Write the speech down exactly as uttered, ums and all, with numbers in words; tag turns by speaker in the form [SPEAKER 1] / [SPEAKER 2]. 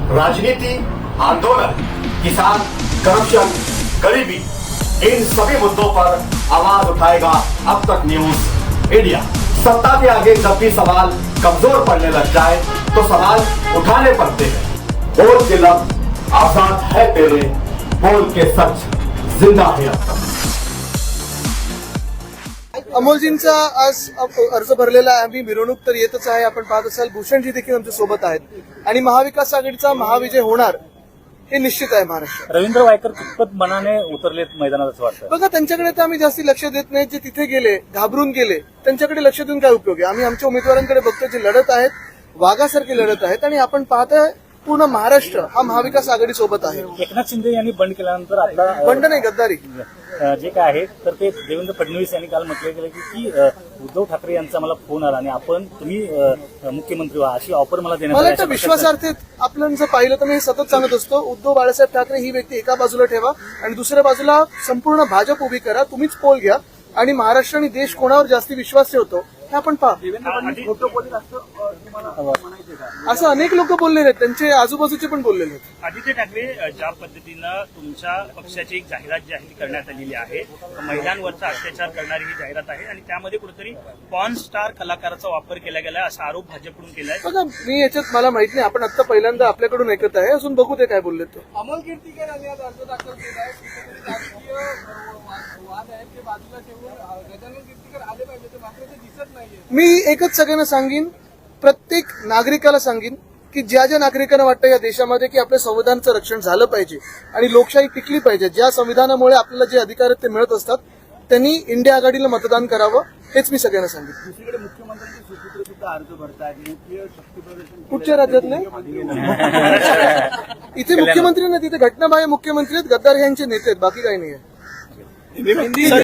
[SPEAKER 1] राजनीति, आंदोलन, किसान, करप्शन, गरीबी, इन सभी मुद्दों पर आवाज उठाएगा अब तक न्यूज इंडिया। सत्ता के आगे जब भी सवाल कमजोर पड़ने लग जाए तो सवाल उठाने पड़ते हैं। बोल के लब आजाद है तेरे, बोल के सच जिंदा है अब तक।
[SPEAKER 2] अमोलजींचा आज अर्ज भरलेला आहे। आम्ही मिरवणूक तर येतच आहे, आपण पाहत असाल भूषणजी देखील आमच्या सोबत आहेत आणि महाविकास आघाडीचा महाविजय होणार हे निश्चित आहे महाराष्ट्रात।
[SPEAKER 3] रवींद्र वायकर कितपत मनाने उतरलेत मैदानात असं वाटतं?
[SPEAKER 2] बघा, त्यांच्याकडे तर आम्ही जास्ती लक्ष देत नाही। जे तिथे गेले घाबरून गेले त्यांच्याकडे लक्ष देऊन काय उपयोग आहे? आम्ही आमच्या उमेदवारांकडे बघतो जे लढत आहेत, वाघासारखे लढत आहेत आणि आपण पाहतोय पूर्ण महाराष्ट्र हा महाविकास आघाडी सोबत आहे।
[SPEAKER 3] एकनाथ शिंदे यांनी बंड केल्यानंतर आपला
[SPEAKER 2] बंड नाही, गद्दारी
[SPEAKER 3] जे काय आहे तर ते देवेंद्र फडणवीस यांनी काल म्हटलं गेलं की उद्धव ठाकरे यांचा मला फोन आला आणि आपण तुम्ही मुख्यमंत्री व्हा अशी ऑफर मला देण्यात
[SPEAKER 2] मला
[SPEAKER 3] आली.
[SPEAKER 2] वाटतं विश्वासार्थ आपण जर पाहिलं तर मी सतत सांगत असतो, उद्धव बाळासाहेब ठाकरे ही व्यक्ती एका बाजूला ठेवा आणि दुसऱ्या बाजूला संपूर्ण भाजप उभी करा, तुम्हीच पोल घ्या आणि महाराष्ट्र आणि देश कोणावर जास्ती विश्वास ठेवतो हे आपण पहा। असं अनेक लोक बोललेले आहेत, त्यांचे आजूबाजूचे पण बोललेले आहेत।
[SPEAKER 4] आदित्य ठाकरे ज्या पद्धतीनं तुमच्या पक्षाची एक जाहिरात जी आहे ती करण्यात आलेली आहे, महिलांवरचा अत्याचार करणारी ही जाहिरात आहे आणि त्यामध्ये कुठेतरी पॉर्न स्टार कलाकाराचा वापर केला गेलाय असा आरोप भाजपकडून केलाय।
[SPEAKER 2] बघा, मी याच्यात मला माहित नाही, आपण आता पहिल्यांदा आपल्याकडून ऐकत आहे, अजून बघू ते काय बोलले ते।
[SPEAKER 5] अमोल कीर्तिकर यांनी आज अर्ज दाखल केला आहे। राजकीय वाद आहेत ते बाजूला ठेवून गजानन कीर्तिकर आले पाहिजे, ते मात्र ते दिसत नाहीये।
[SPEAKER 2] मी एकच सगळ्यांना सांगेन, प्रत्येक नागरिकाला सांगेन की ज्या ज्या नागरिकांना वाटतं या देशामध्ये की आपल्या संविधानाचं रक्षण झालं पाहिजे आणि लोकशाही टिकली पाहिजे, ज्या संविधानामुळे आपल्याला जे अधिकार आहेत ते मिळत असतात, त्यांनी इंडिया आघाडीला मतदान करावं हेच मी सगळ्यांना सांगेन।
[SPEAKER 5] दुसरीकडे मुख्यमंत्र्यांचे सुपुत्र सुद्धा अर्ज भरतायत, मुख्य शक्ती प्रदर्शन
[SPEAKER 2] कुठच्या राज्यातले? इथे मुख्यमंत्री नाही, तिथे घटनाबाह्य मुख्यमंत्री आहेत, गद्दार यांचे नेते आहेत, बाकी काही नाही आहे।